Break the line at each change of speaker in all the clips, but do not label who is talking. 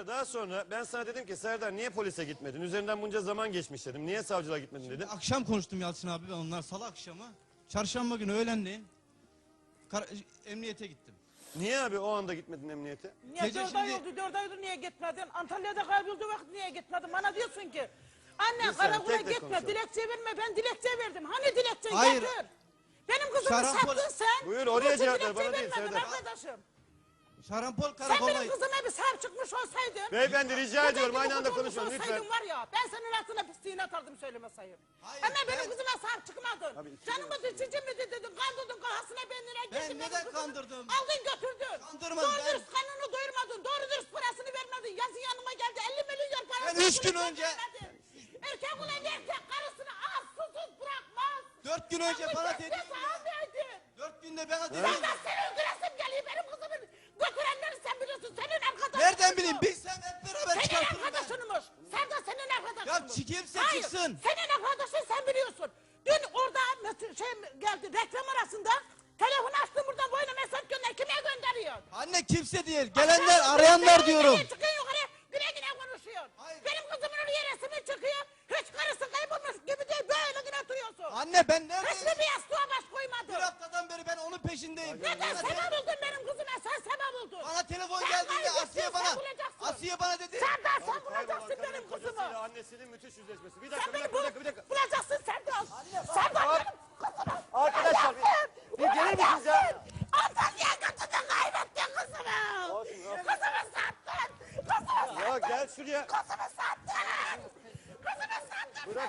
Serdar daha sonra ben sana dedim ki Serdar niye polise gitmedin? Üzerinden bunca zaman geçmiş dedim. Niye savcılığa gitmedin dedim.
Akşam konuştum Yalçın abi ben onlar salı akşamı. Çarşamba günü öğlenleyin emniyete gittim.
Niye abi o anda gitmedin emniyete?
Niye
Gece
4 ay
şimdi-
oldu, 4 aydır niye gitmedin? Antalya'da kaybolduğu vakit niye gitmedin? Bana diyorsun ki anne
Bir saniye,
karakola
tek tek
gitme,
konuşalım.
dilekçe verme. Ben dilekçe verdim. Hani dilekçeyi
Hayır.
getir. Benim kızımı
Şarampol-
sattın sen.
Buyur, oraya
Yoksa
cevap ver,
dilekçeyi
bana değil,
vermedin
Serdar.
arkadaşım.
Şarampol
Sen
karakola
benim kızıma bir sahip çıkmış olsaydın.
Beyefendi rica
koca
ediyorum
gibi
aynı anda
kız olmuş
konuşalım lütfen.
olsaydın var ya ben senin altına pisliğini atardım söyleme sayın.
Hayır,
Ama benim
ben-
kızıma sahip çıkmadın.
Abi, iki
Canımı düşücü mü dedin, kandırdın kafasına benlere
Ben
gittin.
neden kandırdım?
Aldın götürdün.
Kandırmadım,
Doğru
ben-
dürüst kanını doyurmadın, doğru dürüst parasını vermedin. Yazın yanıma geldi 50 milyon para.
Ben 3 gün önce-
Erkek ulan erkek karısını az susuz bırakmaz.
4 gün önce bana dedi.
almaydın.
4 günde bana dedi.
Ben de seni öldüresim geliyor benim kızımı götürenleri sen biliyorsun. Senin arkadaşın.
Nereden bileyim bilsem hep beraber
Senin
çıkartırım ben.
arkadaşınmış. Serdar senin arkadaşınmış.
Ya kimse
Hayır,
çıksın.
senin arkadaşın sen biliyorsun. Dün orada şey geldi reklam arasında. Telefonu açtım buradan boyuna mesaj gönder. Kime gönderiyor?
Anne kimse değil. Gelenler arayanlar diyorum.
Çıkıyor yukarı güle güle konuşuyor.
Hayır.
Benim kızımın oraya resmi çıkıyor. Hiç karısı kaybolmuş gibi değil böyle güne oturuyorsun.
Anne ben neredeyim?
Resmi bir yastığa baş koymadın.
Bir haftadan beri ben onun peşindeyim.
Neden
Bana
sebep oldun benim kızıma sen sebep oldun.
Bana telefon
Sen
geldiğinde
kaybettin,
Asiye
sen
bana.
bulacaksın.
Asiye bana dedi.
Serdar sen
Kaybolan
bulacaksın
kadın
benim
kocasıyla
kızımı.
annesinin müthiş yüzleşmesi. Bir
Sen
dakika,
beni
bir dakika.
bulacaksın Serdar. Serdar benim kızımı.
Arkadaşlar bir gelir misiniz ya?
Antalya'ya götürdün kaybettin kızımı.
Olsun, olsun.
Kızımı sattın. Kızımı sattın.
Ya gel şuraya.
Kızımı sattın. Kızımı sattın.
Bırak.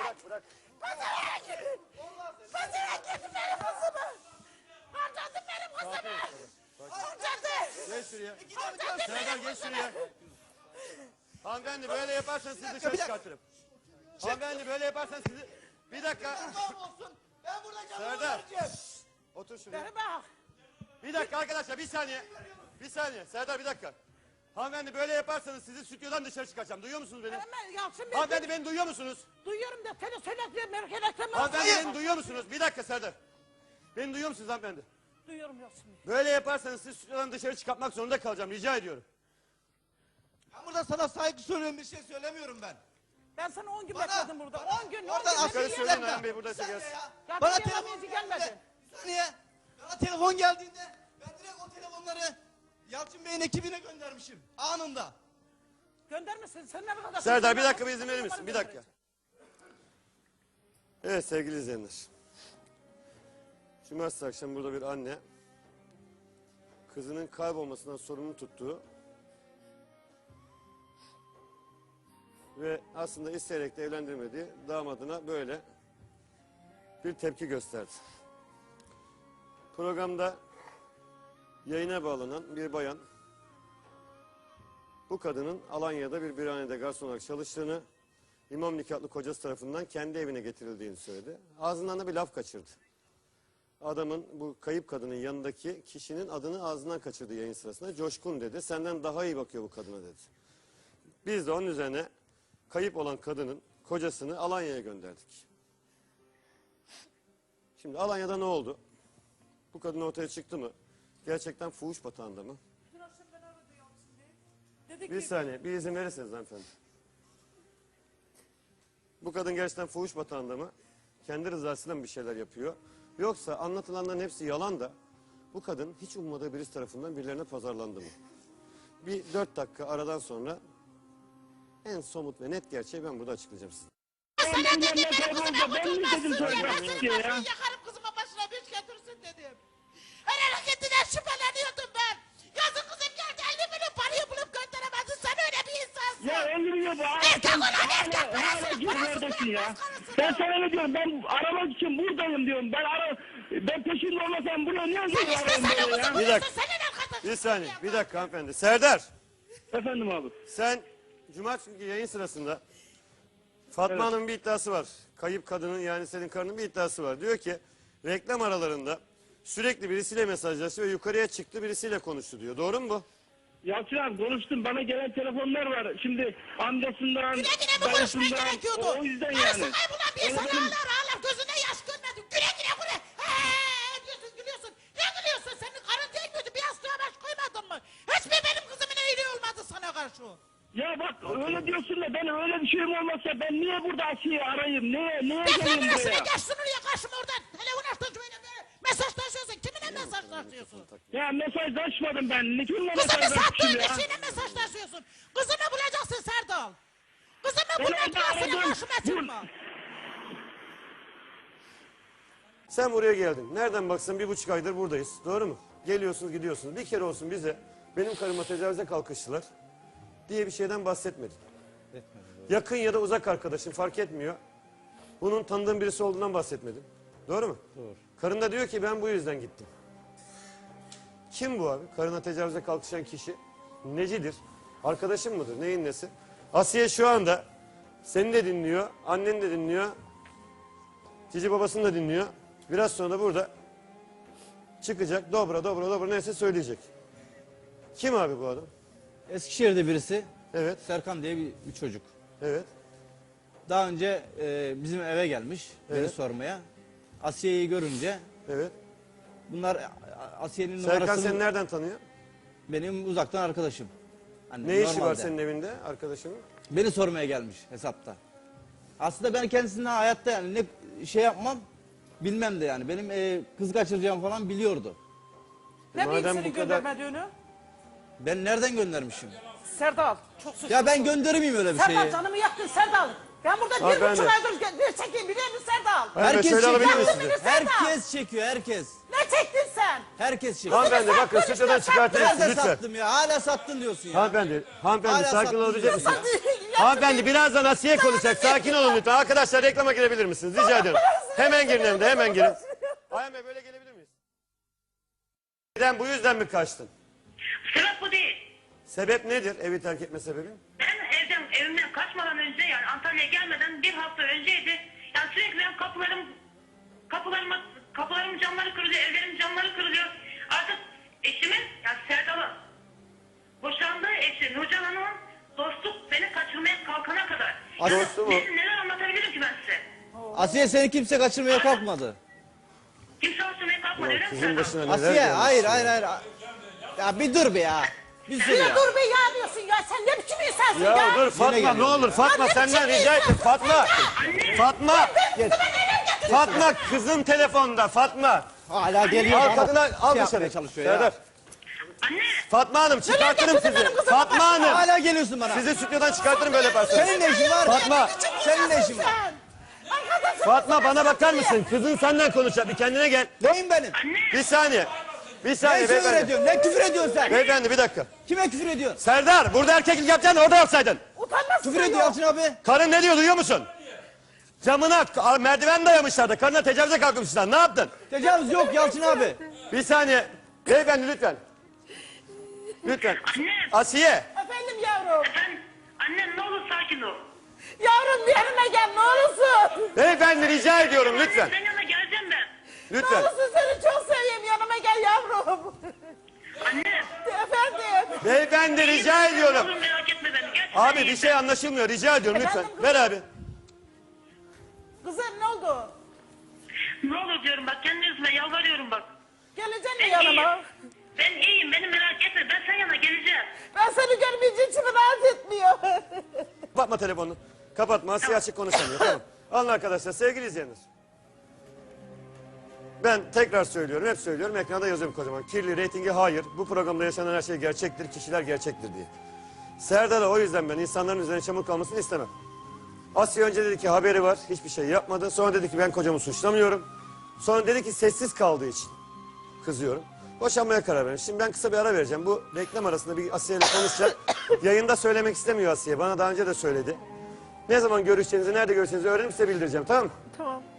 Kızıma git benim kızımı. Harcadın benim kızımı. Harcadın.
Gel şuraya.
Harcadın
Serdar
benim
gel
kızımı.
şuraya. Hanımefendi böyle yaparsanız sizi dışarı çıkartırım. Hanımefendi böyle yaparsanız sizi... Bir dakika.
Kurban olsun. Ben burada canımı
Serdar.
vereceğim.
Otur şuraya.
Bana bak.
Bir dakika arkadaşlar bir saniye. Bir saniye. Serdar bir dakika. Hanımefendi böyle yaparsanız sizi stüdyodan dışarı çıkaracağım. Duyuyor musunuz beni?
Hemen Yalçın Bey.
Hanımefendi beni duyuyor musunuz?
Duyuyorum da seni söyletmiyorum. Reklamı.
Hanımefendi beni duyuyor musunuz? Bir dakika Serdar. Beni duyuyor musunuz hanımefendi?
Duyuyorum Yalçın Bey.
Böyle yaparsanız sizi stüdyodan dışarı çıkartmak zorunda kalacağım. Rica ediyorum.
Ben burada sana saygı söylüyorum bir şey söylemiyorum ben.
Ben sana 10 gün
Bana-
bekledim burada.
bana-
10 gün.
oradan
gün.
Yukarı
Bir
söyleyin
dakika.
Ayhan Bey buradaysa
Bir saniye
gelsin.
ya.
Ya
Bana
bir
telefon
yabancı
geldiğinde,
gelmedi.
bir saniye. Bana telefon geldiğinde ben direkt o telefonları Yalçın Bey'in ekibine göndermişim. Anında.
Göndermesin. Sen ne kadar...
Serdar bir dakika bir izin verir misin? Bir dakika. Evet sevgili izleyenler. Cumartesi akşam burada bir anne kızının kaybolmasından sorumlu tuttuğu ve aslında isteyerek de evlendirmediği damadına böyle bir tepki gösterdi. Programda yayına bağlanan bir bayan bu kadının Alanya'da bir birhanede garson olarak çalıştığını, imam nikahlı kocası tarafından kendi evine getirildiğini söyledi. Ağzından da bir laf kaçırdı. Adamın, bu kayıp kadının yanındaki kişinin adını ağzından kaçırdı yayın sırasında. Coşkun dedi. Senden daha iyi bakıyor bu kadına dedi. Biz de onun üzerine kayıp olan kadının kocasını Alanya'ya gönderdik. Şimdi Alanya'da ne oldu? Bu kadın ortaya çıktı mı? Gerçekten fuhuş batağında mı?
Dün akşam ben aradı Yalçın Bey. Dedi
Bir
ki...
saniye, bir izin verirseniz hanımefendi. Bu kadın gerçekten fuhuş batağında mı? Kendi rızasıyla mı bir şeyler yapıyor? Yoksa anlatılanların hepsi yalan da bu kadın hiç ummadığı birisi tarafından birilerine pazarlandı mı? Bir 4 dakika aradan sonra en somut ve net gerçeği ben burada açıklayacağım size.
Sana dedim benim kızıma
Ben mi dedim
kurtulmazsın
sana?
dedim. Yakarım kızıma başına bir iş getirsin dedim. Her hareketinden şüpheleniyordum ben. Yazın kızım geldi 50 milyon parayı bulup gönderemedin. Sen öyle bir insansın.
Ya 50 milyon bu.
Erkek olan erkek
Hala
parasını
gir
parasını
neredesin ya?
vermez karısına.
Ben sana ne diyorum? Ben aramak için buradayım diyorum. Ben peşinde olmasam buraya niye
Sen
geliyorum
istesene
böyle ya?
kızımı
Bir dakika.
senin arkadaşın.
Bir saniye, bir dakika hanımefendi. Serdar,
Efendim abi.
sen cumartesi günkü yayın sırasında Fatma Hanım'ın bir iddiası var. Kayıp kadının yani senin karının bir iddiası var. Diyor ki reklam aralarında sürekli birisiyle mesajlaştı ve yukarıya çıktı birisiyle konuştu diyor. Doğru mu bu?
Yalçın abi konuştum. Bana gelen telefonlar var. Şimdi amcasından,
Güne güne mi konuşman
dayısından.
gerekiyordu?
O yüzden
Karısı
yani.
kaybolan bir insan
Benim-
ağlar ağlar gözüne yaş görmedim. Güle güle buraya. Heee diyorsun gülüyorsun. Ne gülüyorsun? Senin karın değil miydi? Bir yastığa baş koymadın mı? Hiçbir benim kızımın iyiliği olmadı sana karşı.
Ya bak öyle diyorsun da ben öyle bir şeyim olmasa ben niye burada Asiye'yi arayayım? Neye
Ben
geleyim
senin
buraya?
üstüne geç şuraya karşıma oradan. Telefon açtın şöyle böyle. Mesajlaşıyorsun. Kiminle mesajlaşıyorsun?
Ya mesajlaşmadım ben. Kimle
Kızını sattığın
mesajlaşmışım ya?
kişiyle mesajlaşıyorsun. Kızını bulacaksın Serdal. Kızını
Ben
bulmak
orada
parasını
aradım.
karşıma çıkma.
Sen buraya geldin. Nereden baksan 1,5 aydır buradayız. Doğru mu? Geliyorsunuz gidiyorsunuz. Bir kere olsun bize benim karıma tecavüze kalkıştılar diye bir şeyden bahsetmedin. Yakın ya da uzak arkadaşın fark etmiyor. Bunun tanıdığın birisi olduğundan bahsetmedin. Doğru mu? Doğru. Karın da diyor ki ben bu yüzden gittim. Kim bu abi? Karına tecavüze kalkışan kişi. Necidir? Arkadaşın mıdır? Neyin nesi? Asiye şu anda seni de dinliyor, annen de dinliyor. Cici babasını da dinliyor. Biraz sonra da burada çıkacak dobra neyse söyleyecek. Kim abi bu adam?
Eskişehir'de birisi,
Evet,
Serkan diye bir çocuk.
evet.
Daha önce bizim eve gelmiş beni
Evet.
sormaya. Asiye'yi görünce
Evet.
bunlar Asiye'nin
Serkan
numarasını
seni nereden tanıyor?
benim uzaktan arkadaşım. Hani
Ne işi var
normalde.
senin evinde arkadaşının?
Beni sormaya gelmiş hesapta. Aslında ben kendisinden hayatta yani ne şey yapmam bilmem de yani. Benim kız kaçıracağım falan biliyordu.
Ne bileyim
Madem
seni
bu kadar-
göndermediğini?
Ben nereden göndermişim?
Serdal çok suçlusun.
Ya ben gönderir miyim öyle bir
Serdal
şeyi?
canımı yaktın Serdal. Ben burada
Abi ben
1,5
de.
aydır bir çekeyim biliyor musun Serdal?
Hayır,
Herkes
şöyle alabilir
çekiyor.
miyim sizi?
Herkes çekiyor, herkes.
Ne çektin sen?
Herkes çekiyor.
Hanımefendi bakın stüdyodan çıkartın
Nerede
lütfen.
sattım ya? Hala sattın diyorsun ya.
Hanımefendi
Hala
sakin
sattın
olabilecek
diyorsun
misiniz?
ya.
Hanımefendi birazdan Asiye konuşacak. Sakin olun lütfen. Arkadaşlar reklama girebilir misiniz? Rica ederim. Hemen girin hem de hemen girin. Ayhan Bey böyle gelebilir miyiz? Neden bu yüzden mi kaçtın?
Sebep bu değil.
Sebep nedir evi terk etme sebebin?
Ben evimden kaçmadan önce yani Antalya'ya gelmeden bir hafta önceydi. Yani sürekli benim kapılarımın camları kırılıyor, evlerimin camları kırılıyor. Artık eşimin yani Serdal'ın boşandığı eşi Nurcan Hanım'ın dostluk beni kaçırmaya kalkana kadar.
Dostu mu?
Neler anlatabilirim ki ben size?
Asiye seni kimse kaçırmaya kalkmadı.
Kimse kaçırmaya kalkmadı öyle mi
Sizin
Serdal?
başına neler
Asiye
gelmiş
hayır
ya.
hayır. Ya bir dur be ya. Bir sür
Bir
ya.
dur be ya diyorsun ya sen ne biçim insansın ya?
Ya dur Fatma
geliyor
ne olur Fatma
Ya ne
senden
biçim
rica ettim Fatma. Fatma.
Geç.
Fatma kızın telefonda Fatma.
Hala geliyor.
Al
bana
kadına al
şey
dışarı.
yapmaya çalışıyor
Serdar.
ya.
Anne
Fatma Hanım çıkartırım
getirdin
sizi.
benim kızımı
Fatma Hanım.
Hala geliyorsun bana.
Sizi stüdyodan çıkartırım böyle yaparsanız.
Senin ne işin var?
Fatma.
Senin ne işin var?
Sen. Arkadaşım.
Fatma bana bakar mısın? Kızın senden konuşacak. Bir kendine gel.
Neyim benim?
Bir saniye. Bir
Ne
saniye
küfür
beyefendi.
ediyorsun? Ne küfür ediyorsun sen?
Beyefendi bir dakika.
Kime küfür ediyorsun?
Serdar burada erkeklik yapacaksın orada yapsaydın.
Utanmazsın
Küfür ediyor
ya.
Yalçın abi.
Karın ne diyor duyuyor musun? Camına merdiven dayamışlar da karına tecavüze kalkmışlar. Ne yaptın?
Tecavüz yok Yalçın abi.
Bir saniye. Beyefendi lütfen. Lütfen.
Anne.
Asiye.
Efendim yavrum.
efendim annem ne olur sakin ol.
Yavrum bir yanıma gel ne olursun.
Beyefendi rica ediyorum lütfen.
Senin yanına geleceğim ben.
Ne
Lütfen.
olursun seni çok seveyim yanıma gel yavrum.
Anne.
Efendim.
Beyefendi rica
Ne
ediyorum.
olur merak etme beni. Gerçekten
Abi bir
iyiyim
şey anlaşılmıyor. Rica ediyorum lütfen.
Efendim,
Ver abi.
Kızım ne oldu?
ben. Ne olur diyorum bak kendi yüzüme yalvarıyorum bak.
Geleceksin mi
Ben
yanıma?
iyiyim. Ben iyiyim beni merak etme. Ben senin yanına geleceğim.
Ben seni görmeyince içimi rahat etmiyor.
Kapatma telefonunu. Kapatma. Asiye açık konuşamıyor. Tamam. Alın arkadaşlar. Sevgili izleyenler. Ben tekrar söylüyorum. Hep söylüyorum. Ekranda yazıyorum kocaman. Kirli reytingi hayır. Bu programda yaşanan her şey gerçektir. Kişiler gerçektir diye. Serdar'a o yüzden ben insanların üzerine çamur kalmasını istemem. Asya önce dedi ki haberi var. Hiçbir şey yapmadı. Sonra dedi ki ben kocamı suçlamıyorum. Sonra dedi ki sessiz kaldığı için kızıyorum. Boşanmaya karar verdim. Şimdi ben kısa bir ara vereceğim. Bu reklam arasında bir Asiye ile konuşacak. Yayında söylemek istemiyor Asiye. Bana daha önce de söyledi. Ne zaman görüşeceğinizi, nerede görüşeceğinizi öğrenip size bildireceğim. Tamam mı?
Tamam.